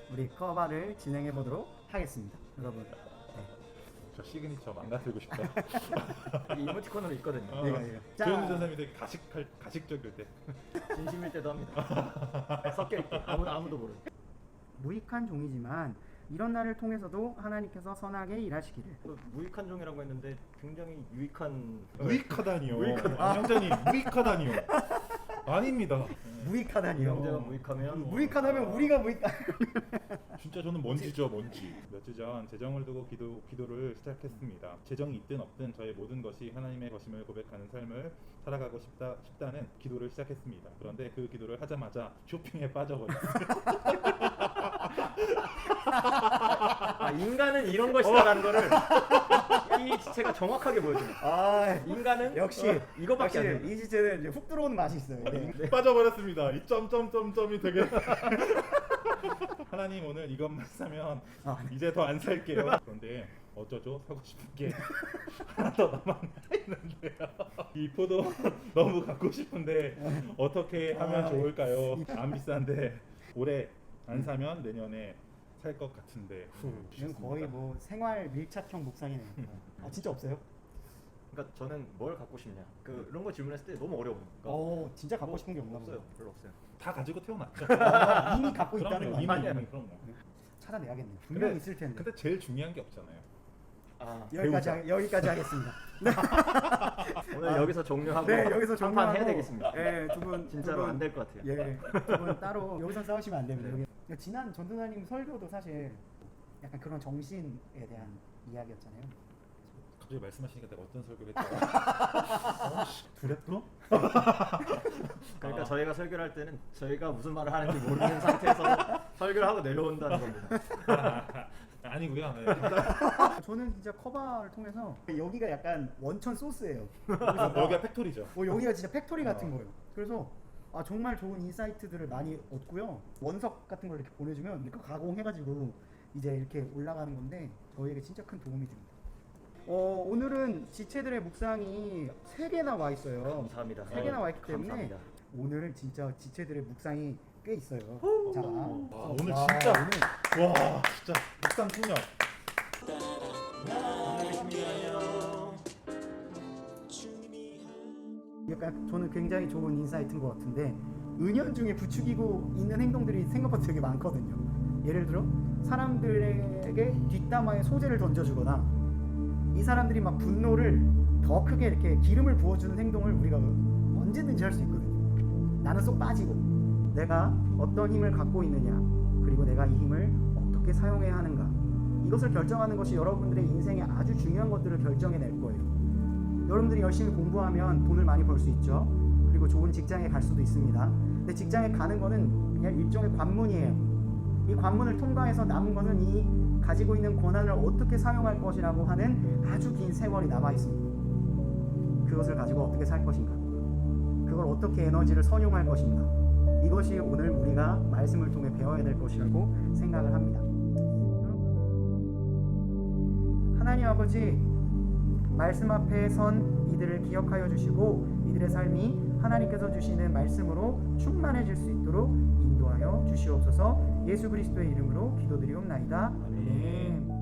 우리 커버를 진행해 보도록 하겠습니다. 여러분. 저 시그니처 망가뜨리고 싶다. 이 이모티콘으로 있거든요. 자. 조현주 선생님이 되게 가식적일 때. 진심일 때도 합니다. 섞여 있게 아무도 모르는. 무익한 종이지만 이런 날을 통해서도 하나님께서 선하게 일하시기를. 무익한 종이라고 했는데 굉장히 유익한. 무익하다니요. 무익하다. 양장님 무익하다니요. 아닙니다. 무익하다니요. 영재가 무익하면 무익하다면 우리가 무익하. 진짜 저는 먼지죠, 먼지. 몇 주 전 재정을 두고 기도를 시작했습니다. 재정이 있든 없든 저의 모든 것이 하나님의 것임을 고백하는 삶을 살아가고 싶다는 기도를 시작했습니다. 그런데 그 기도를 하자마자 쇼핑에 빠져버렸어요. 인간은 이런 것이다라는 거를 이 지체가 정확하게 보여줍니다. 아, 인간은 역시 이거밖에 안 돼요. 이 지체는 이제 훅 들어오는 맛이 있어요. 네. 빠져버렸습니다. 이 점점점점이 되게 하나님 오늘 이것만 사면 이제 더 안 살게요. 그런데 어쩌죠? 사고 싶은 게 하나 더 남아 있는데요. 이 포도 너무 갖고 싶은데 어떻게 하면 좋을까요? 안 비싼데 올해 안 사면 내년에 살 것 같은데. 이건 거의 뭐 생활 밀착형 묵상이네요. 아 진짜 없어요? 그러니까 저는 뭘 갖고 싶냐 그런 거 질문했을 때 너무 어려워요. 진짜 갖고 싶은 게 없나 없어요. 보다. 별로 없어요. 다 가지고 태어났죠. 이미 갖고 있다는 거 이미 아니에요? 그럼요. 찾아내야겠네요. 분명 히 있을 텐데. 근데 제일 중요한 게 없잖아요. 여기까지 하겠습니다. 오늘 여기서 종료하고 네, 여기서 한판 종료하고 해야 되겠습니다. 네, 두 분 진짜로 안 될 것 같아요. 예, 두 분 따로 여기서 싸우시면 안 됩니다. 여기. 지난 전도사님 설교도 사실 약간 그런 정신에 대한 이야기였잖아요. 갑자기 말씀하시니까 내가 어떤 설교를 했다고? 두렵도? 그러니까 저희가 설교를 할 때는 저희가 무슨 말을 하는지 모르는 상태에서 설교를 하고 내려온다는 겁니다. 아니고요. 네. 저는 진짜 커버를 통해서 여기가 약간 원천 소스예요. 여기가 팩토리죠. 여기가 진짜 팩토리 같은 거예요. 그래서 정말 좋은 인사이트들을 많이 얻고요. 원석 같은 걸 이렇게 보내주면 이렇게 가공해가지고 이제 이렇게 올라가는 건데 저희에게 진짜 큰 도움이 됩니다. 오늘은 지체들의 묵상이 3개나 와 있어요. 감사합니다. 3개나 와 있기 때문에 감사합니다. 오늘은 진짜 지체들의 묵상이 꽤 있어요. 자, 오늘 진짜 와 진짜 묵상 풍년. 약간 저는 굉장히 좋은 인사이트인 것 같은데 은연중에 부추기고 있는 행동들이 생각보다 되게 많거든요. 예를 들어 사람들에게 뒷담화에 소재를 던져주거나 이 사람들이 막 분노를 더 크게 이렇게 기름을 부어주는 행동을 우리가 언제든지 할 수 있거든요. 나는 쏙 빠지고 내가 어떤 힘을 갖고 있느냐 그리고 내가 이 힘을 어떻게 사용해야 하는가 이것을 결정하는 것이 여러분들의 인생에 아주 중요한 것들을 결정해낼 거예요. 여러분들이 열심히 공부하면 돈을 많이 벌 수 있죠. 그리고 좋은 직장에 갈 수도 있습니다. 근데 직장에 가는 거는 그냥 일종의 관문이에요. 이 관문을 통과해서 남은 것은 이 가지고 있는 권한을 어떻게 사용할 것이라고 하는 아주 긴 세월이 남아 있습니다. 그것을 가지고 어떻게 살 것인가, 그걸 어떻게 에너지를 선용할 것인가, 이것이 오늘 우리가 말씀을 통해 배워야 될 것이라고 생각을 합니다. 하나님 아버지, 말씀 앞에 선 이들을 기억하여 주시고 이들의 삶이 하나님께서 주시는 말씀으로 충만해질 수 있도록 인도하여 주시옵소서. 예수 그리스도의 이름으로 기도드리옵나이다. 아멘.